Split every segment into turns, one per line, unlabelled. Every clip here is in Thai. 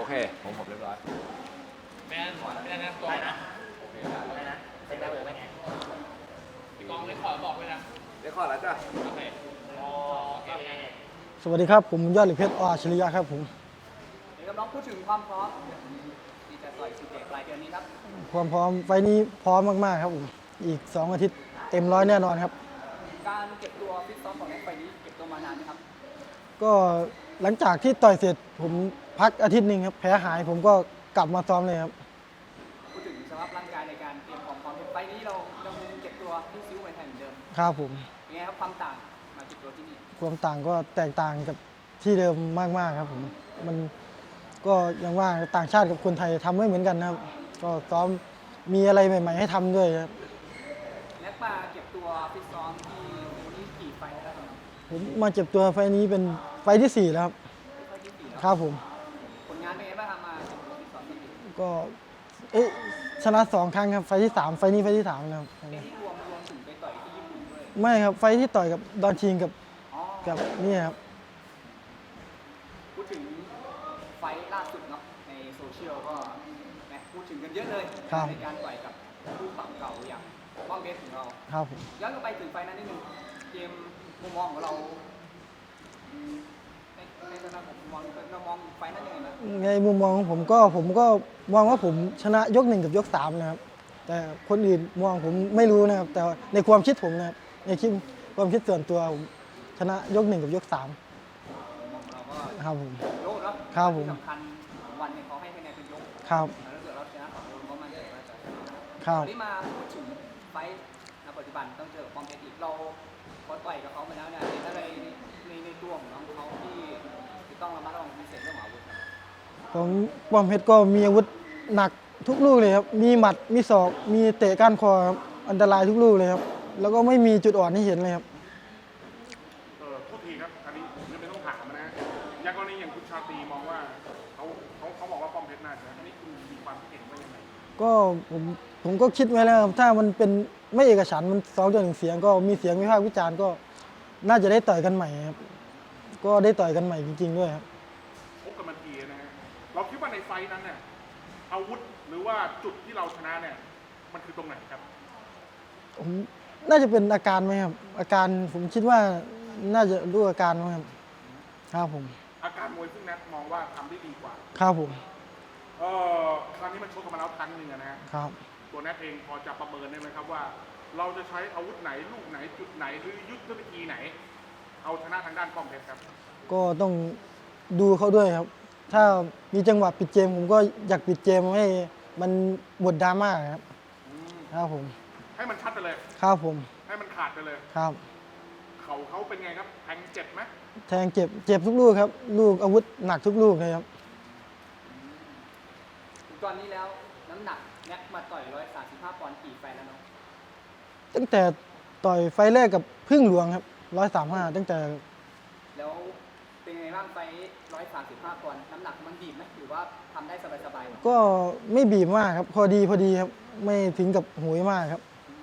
เคผมเรียบร้อย
แมนนะตัวนะ
โอเคได้
นะเป็นแบบไหน
กองเลยขอบอกเลยนะ
เรียกข้อแล้วจ้ะ
โอเค
สวัสดีครับผมยอดเหล็กเพชรอัจฉริยะครับผม
เดี๋ยวน้องพูดถึงความพร้อมที่จะต่อยสุดเด็กปลายเดือนนี้ครับ
ความพร้อมไฟนี้พร้อมมากๆครับผมอีก2 อาทิตย์เต็มร้อยแน่นอนครับ
การเก็บตัวฟิตซ้อมของไฟนี้เก็บตัวมานานไหมครับ
ก็หลังจากที่ต่อยเสร็จผมพักอาทิตย์หนึ่งครับแผลหายผมก็กลับมาซ้อมเลยครับ
พูดถึงสภาพร่างกายในการเตรียมความพร้อมไฟนี้เรายังเก็บตัวที่ซิ้วไว้แทนเหมือนเดิม
ครับผม
ยังไงครับความต่างมาเก็บตัวที่นี่
ความต่างก็แตกต่างกับที่เดิมมากๆครับผมมันก็ยังว่าต่างชาติกับคนไทยทำไม่เหมือนกันนะครับก็ซ้อมมีอะไรใหม่ๆให้ทำด้วยครับ
และมาเก็บตัวฟิตซ้อมที่นี่กี่ไฟแล้วครับ
ผมมาเจ็บตัวไฟนี้เป็นไฟที่4แล้วครับ
ไฟที่4แล้ว
ครับผม
ผลงานเป็นไงบ้างครับมาเก็บตัวฟิตซ้อมที่นี่
ก็ชนะ2 ครั้งครับไฟที่3ไฟนี้ไฟที่3แล้วครับ
ที่รวมถึงไปต่อยที่ญี่ปุ่นด้วย
ไม่ครับไฟที่ต่อยกับดอนชิงกับนี่ครับ
พูดถึงไฟล่าสุดเนาะในโซเชียลก็พูดถึงกันเยอะเลยในการต่อยกับคู่ปรับเก่าอย่างบ้องเบสของเรา
ครับผม
ย้อนกลับไปถึงไฟนั้นนิดนึงเกมมุมมองของเราในฐานะผมเรามองไฟนั้นยังไงนะ
ในมุมมองของผมก็มองว่าผมชนะยก1กับยก3นะครับแต่คนอื่นมองผมไม่รู้นะครับแต่ในความคิดผมนะครับในความคิดส่วนตัวผมชนะยก1กับยก3ครับผม
ยกเนาะ
ครับผม
สำคัญวันเนี่ยเขาให้คะแนนเป็นยก
ครับ
แล้วเกิดเราชนะ2 ยกก็มั่นใจว่าจะ
ครับ
วันนี้มาพูดถึงไฟณปัจจุบันต้องเจอป้อมเพชรอีกเราพอต่อยกับเขามาแล้วเนี่ยอะไรในตัวของน้องเขาที่ต้องระมัดระวังพิเศษเรื่องอาวุธ
ของป้อมเพชรก็มีอาวุธหนักทุกลูกเลยครับมีหมัดมีศอกมีเตะก้านคอครับอันตรายทุกลูกเลยครับแล้วก็ไม่มีจุดอ่อนให้เห็นเลยครับ
ทุกทีครับอันนี้ผมไม่ต้องถามนะอย่างกรณีอย่างคุณชาตรีมองว่าเขาบอกว่าป้อมเพชรน่าจะอันนี้คุณมีความคิดเห็นว่ายังไง
ก็ผมก็คิดไว้แล้วครับถ้ามันเป็นไม่เอกฉันท์มัน2-1เสียงก็มีเสียงวิพากษ์วิจารณ์ก็น่าจะได้ต่อยกันใหม่ครับก็ได้ต่อยกันใหม่จริงๆด้วยครับ
พบกันมาทีนะฮะเราคิดว่าในไฟนั้นเนี่ยอาวุธหรือว่าจุดที่เราชนะเนี่ยมันคือตรงไหนครับ
ผมน่าจะเป็นอาการไหมครับอาการผมคิดว่าน่าจะรู้อาการไหมครับครับผม
อาการมวยซึ่งนัทมองว่าทำได้ดีกว่า
ครับผม
ครั้งนี้มันชกกันมาแล้วครั้งหนึ่งนะครับตัวนัทเองพอจะประเมินได้ไหมครับว่าเราจะใช้อาวุธไหนลูกไหนจุดไหนหรือยุทธวิธีไหนเอาชนะทางด้านป้อมเพชรครับ
ก็ต้องดูเขาด้วยครับถ้ามีจังหวะปิดเกมผมก็อยากปิดเกมให้มันหมดดราม่าครับครับผม
ให้มันชัดไปเลย
ครับผม
ให้มันขาดไปเลย
ครับ
เขาเป็นไงครับแทงเจ็บไหม
แทงเจ็บทุกลูกครับลูกอาวุธหนักทุกลูกเลยครับ
ตอนนี้แล้วน้ำหนักแน็กมาต่อย135 ปอนด์กี่ไฟแล้วเนาะ
ตั้งแต่ต่อยไฟแรกกับพึ่งหลวงครับ135ตั้งแต่
แล้วเป็นไงบ้างไฟ135 ปอนด์น้ำหนักมันบีบไหมหรือว่าทำได้สบาย
ๆก็ไม่บีบมากครับพอดีครับไม่ถึงกับโหยมากครับ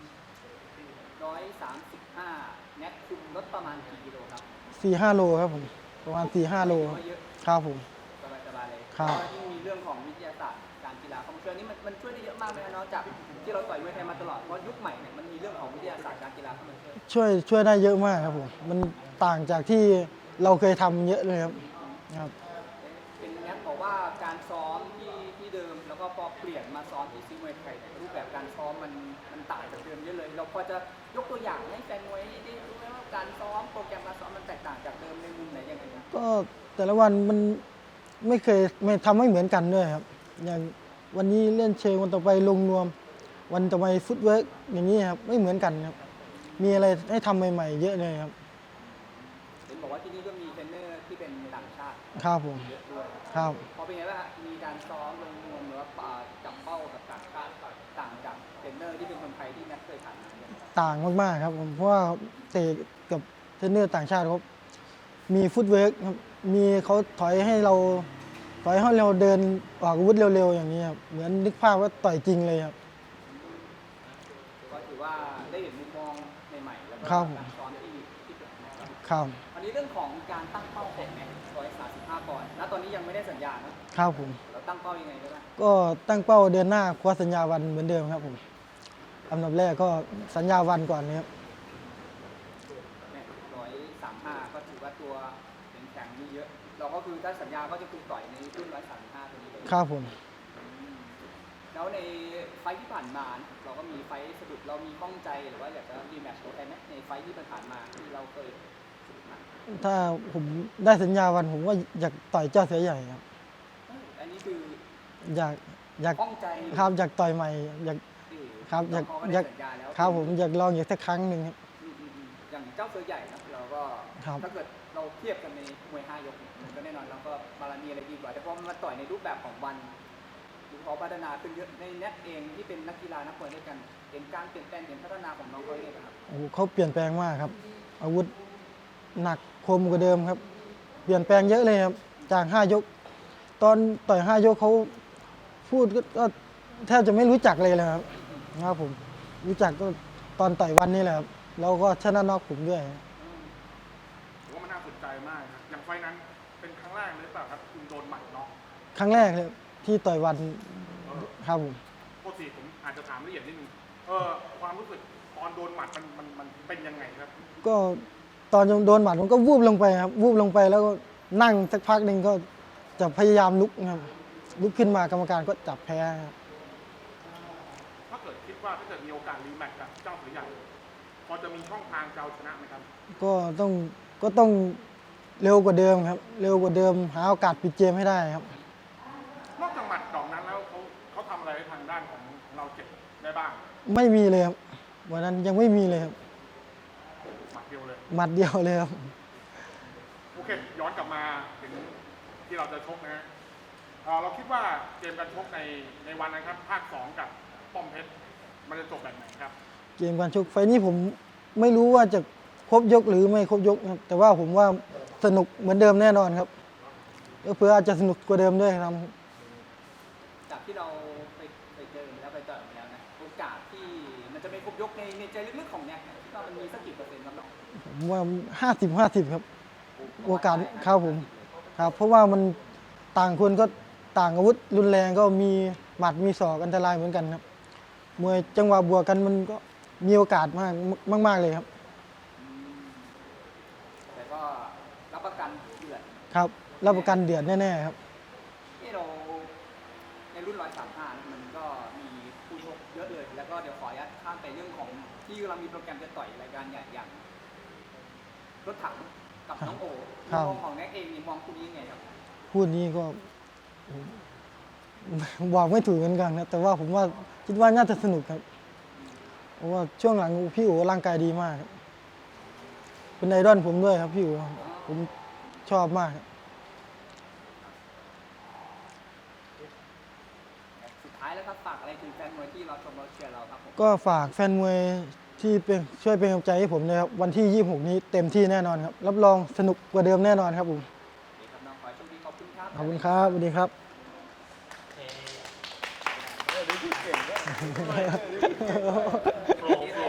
135แน็กคุมลดประมาณกี่กิโลครับ
4-5 โลครับผมประมาณ 4-5 โลครับผม
สบายเลย
ครับ
ยิ่งมีเรื่องของวิทยาศาสตร์การกีฬาเข้ามาช่วยนี่มันช่วยได้เยอะมากเลยนะจากที่เราต่อยมวยไทยมาตลอดเพราะยุคใหม่เนี่ยมันมีเรื่องของวิทยาศาสตร์การกีฬาเข้ามา
ช่วยได้เยอะมากครับผมมันต่างจากที่เราเคยทำเยอะเลยครับ
เป็นแน็กบอกว่าการซ้อมที่เดิมแล้วก็พอเปลี่ยนมาซ้อมที่ซีมวยไทยรูปแบบการซ้อมมันต่างจากเดิมเยอะเลยเราพอจะยกตัวอย่างให้แฟนมวยได้รู้ไหมว่าการซ้อมโปรแกรมการซ้อมมันแตกต่างจากเดิมในมุมไหนยังไง
ก็แต่ละวันมันไม่เคยทำไม่เหมือนกันด้วยครับอย่างวันนี้เล่นเชิงวันต่อไปลงนวมวันต่อไปฟุตเวิร์กอย่างนี้ครับไม่เหมือนกันครับมีอะไรให้ทำใหม่ๆเยอะเลยครับ
เห็นบอกว่าที่นี่ก็มีเทรนเนอร์ที่เป็นต่างชาติ
ครับผม
เยอะด้วย
ครับ
พอเป็นไงบ้างมีการซ้อมลงนวมหรือว่าจับเป้ากับต่างชาติต่างจากเทรนเนอร์ที่เป็นคนไทยที่แน็กเคยผ่านมา
ต่างมากๆครับผมเพราะว่าเตะกับเทรนเนอร์ต่างชาติเขามีฟุตเวิร์กครับมีเขาถอยให้เราเดินออกอาวุธเร็วๆอย่างนี้ครับเหมือนนึกภาพว่าต่อยจริงเลยครับ
ก็ถือว่าได้เห็นมุมมองใหม่ๆแล้วก็การซ้อมที่เปลี่ยนแปลง
ครับ
อันนี้เรื่องของการตั้งเป้าของแน็ก135 ปอนด์ณตอนนี้ยังไม่ได้สัญญานะครับ
ผม
แล้วตั้งเป้ายังไงได้บ้าง
ก็ตั้งเป้าเดือนหน้าคว้าสัญญาวันเหมือนเดิมครับผมอันดับแรกก็สัญญาวันก่อนนะครับ
เนี่ย135ก็ถือว่าตัวแข็งนี่เยอะ เราก็คือถ้าสัญญาก็จะคือต่อยในรุ่น135ตัวนี้เลย
ครับผม
แล้วในไฟท์ที่ผ่านมาเราก็มีไฟท์สะดุดเรามีข้องใจหรือว่าอยากจะรีแมตช์กับใครไหมในไฟท์ที่ผ่านมาที่เราเคยสะดุดมา
ถ้าผมได้สัญญาวันผมก็อยากต่อยเจ้าเสือใหญ่ครับ
อันนี้คือ
อยาก
ข้องใจ
ครับอยากต่อยใหม่อยาก ครับอยาก
เขาก็
อ
ได้
ยาก
สัญญาแล้ว
ครับผมอยากลองอีกสักครั้งหนึ่งครับ
อย่างเจ้าเสือใหญ่นะเราก็
ครับ
ถ้าเกิดเราเทียบกันในมวย5 ยกเนี่ยมันก็แน่นอนเราก็บาลานีอะไรดีกว่าแต่พอมันมาต่อยในรูปแบบของวันดูเขาพัฒนาขึ้นเยอะในแน็ตเองที่เป็นนักกีฬานักมวยด้วยกันเห็นการเปลี่ยนแปลงเห็นพัฒนาของน้องเขาเองครับ
โอ้โหเขาเปลี่ยนแปลงมากครับ อาวุธหนักคมกว่าเดิมครับ เปลี่ยนแปลงเยอะเลยครับจาก5 ยก ตอนต่อย5 ยกเขาพูดก็แทบจะไม่รู้จักเลยครับครับผมรู้จักก็ตอนต่อยวันนี้แหละครับแล้วก็ชนะน็อกผมด้วย
ผมว่ามันน่าสนใจมากครับอย่างไฟล์นั้นเป็นครั้งแรกเลยเปล่าครับคุณโดนหมัดน็อก
ครั้งแรกเลยที่ต่อยวันครับผม
ปกติผมอาจจะถามละเอียดนิดนึงความรู้สึกตอนโดนหมัดมันเป็นยังไงครับ
ก็ตอนโดนหมัดผมก็วูบลงไปครับวูบลงไปแล้วก็นั่งสักพักหนึ่งก็จะพยายามลุกครับลุกขึ้นมากรรมการก็จับแพ้ครับ
ถ้าเกิดคิดว่าถ้าเกิดมีโอกาสรีแมตช์กับเจ้าเสือใหญ่พอจะมีช่องทางจะเอาชนะไหมครับ
ก็ต้องเร็วกว่าเดิมครับ เร็วกว่าเดิมหาโอกาสปิดเกมให้ได้ครับ
นอกจากหมัดดอกนั้นแล้วเขาทำอะไรทางด้านของเราเจ็บได้บ้าง
ไม่มีเลยครับวันนั้นยังไม่มีเลยครับ
หมัดเดียวเลย
หมัดเดียวเลยครับ
โอเค ย้อนกลับมาถึงที่เราจะชกนะฮะเราคิดว่าเกมการชกในวันนั้นครับภาค 2 กับป้อมเพชรมันจะจบแบบไหนครับ
เกมการชกไฟล์นี้ผมไม่รู้ว่าจะครบยกหรือไม่ครบยกครับแต่ว่าผมว่าสนุกเหมือนเดิมแน่นอนครับเพื่ออาจจะสนุกกว่าเดิมด้วยครับ
จากที่เราไปเจอมาแล้วไปต่อยมาแล้วนะโอกาสที่มันจะไม่ครบยกในใจลึกๆของแน็กเนี่ยคิดว่ามันมีสักกี่เปอร์เซ็นต์ครับน้อง
ผมว่า50-50 ครับ โอกาสครับผมครับเพราะว่ามันต่างคนก็ต่างอาวุธรุนแรงก็มีหมัดมีศอกอันตรายเหมือนกันครับมวยจังหวะบวกกันมันก็มีโอกาสมากเลยครับ
แต่ก็รับประกันเดือด
ครับรับประกันเดือดแน่ๆครับ
ที่เราในรุ่น135นะมันก็มีผู้ชกเยอะเลย แล้วก็เดี๋ยวขออนุญาตข้ามไปเรื่องของที่เรามีโปรแกรมจะต่อยรายการใหญ่อย่างรถถังกับน้องโอ
ครับ
มองของแน็กเองนี่มองคู่นี้ยังไงครับ
พูดนี้ก็บอกไม่ถูกเหมือนกันนะแต่ว่าผมว่าคิดว่าน่าจะสนุกครับเพราะว่าช่วงหลังพี่อู๋ร่างกายดีมากครับเป็นไอดอลผมด้วยครับพี่อู๋ผมชอบมากครับ
สุดท้ายแล้วครับฝากอะไรถึงแฟนมวยที่เราชมเราเชียร์เราครับผม
ก็ฝากแฟนมวยที่เป็นช่วยเป็นกำลังใจให้ผมนะครับวันที่ 26 นี้เต็มที่แน่นอนครับรับรองสนุกกว่าเดิมแน่นอนครับผม
โอเคครับน้องขอให้โชคดีขอบคุณครับ
ขอบคุณครับสวัสดีครับ
โอเค